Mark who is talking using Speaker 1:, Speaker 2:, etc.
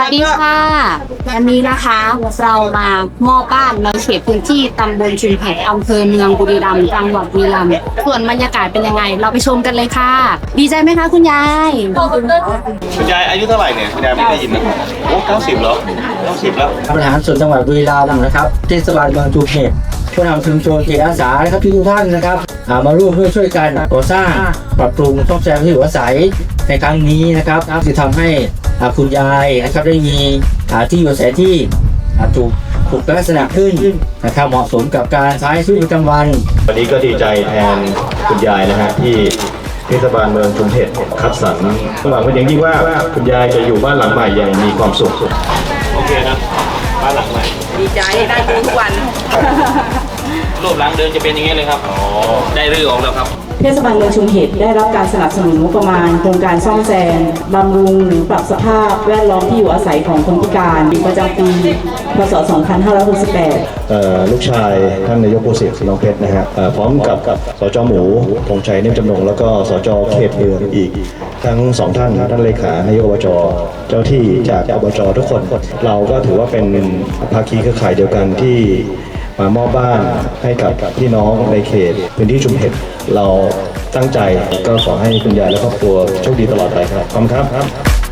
Speaker 1: วัสดีค่ะวันนี้นะคะเรามามอบบ้านในเขตพื้นที่ตำบลชุมแพอำเภอเมืองบุรีรัมย์จังหวัดบุรีรัมย์ส่วนบรรยากาศเป็นยังไง เราไปชมกันเลยค่ะ ดีใจไหมคะคุณยาย
Speaker 2: คุณยายอายุเท่าไหร่เนี่ยคุณยายไม่ได้ยินนะโอ้90เหรอ90แล้ว
Speaker 3: บริหารส่วนจังหวัดบุรีรัมย์นะครับเทศบาลเมืองชุมแพผู้นำชุมชนจิตอาสานะครับทุกท่านนะครับมาร่วมด้วยช่วยกันก่อสร้างปรับปรุงซ่อมแซมที่อยู่อาศัยในครั้งนี้นะครับจะทำให้คุณยายนะครับได้มีที่อยู่อาศัยที่ถูกลักษณะขึ้นนะครับเหมาะสมกับการใช้ชีวิตประจำวัน
Speaker 4: วันนี้ก็ดีใจแทนคุณยายนะฮะที่เทศบาลเมืองชุมเพชรคัดสรรหวังเป็นอย่างยิ่งว่าคุณยายจะอยู่บ้านหลังใหม่อย่างมีความสุข
Speaker 2: โอเคนะบ้านหลังใหม่
Speaker 5: ดีใจได้ดูทุกวัน
Speaker 2: รูปหลังเดินจะเป็นอย่างนี้เลยครับได้รื้อออกแล้วครับ
Speaker 6: เทศบาลเมืองชุมเห็ดได้รับการสนับสนุนงบประมาณโครงการซ่อมแซมบำรุงหรือปรับสภาพแวดล้อมที่อยู่อาศัยของคนพิการประจำปีพศ 2568
Speaker 4: ลูกชายท่านนายกโพสิทธิ์น้องเพชรนะฮะพร้อมกับสจหมูธงชัยเนมจำนงแล้วก็สจเขตเมืองอีกทั้งสองท่านเลขานายกอบจเจ้าที่จากอบจทุกคนเราก็ถือว่าเป็นภาคีเครือข่ายเดียวกันที่มามอบบ้านให้กับพี่น้องในเขตพื้นที่ชุมเห็ดเราตั้งใจก็ขอให้คุณยายและครอบครัวโชคดีตลอดไปครับขอบคุณครับ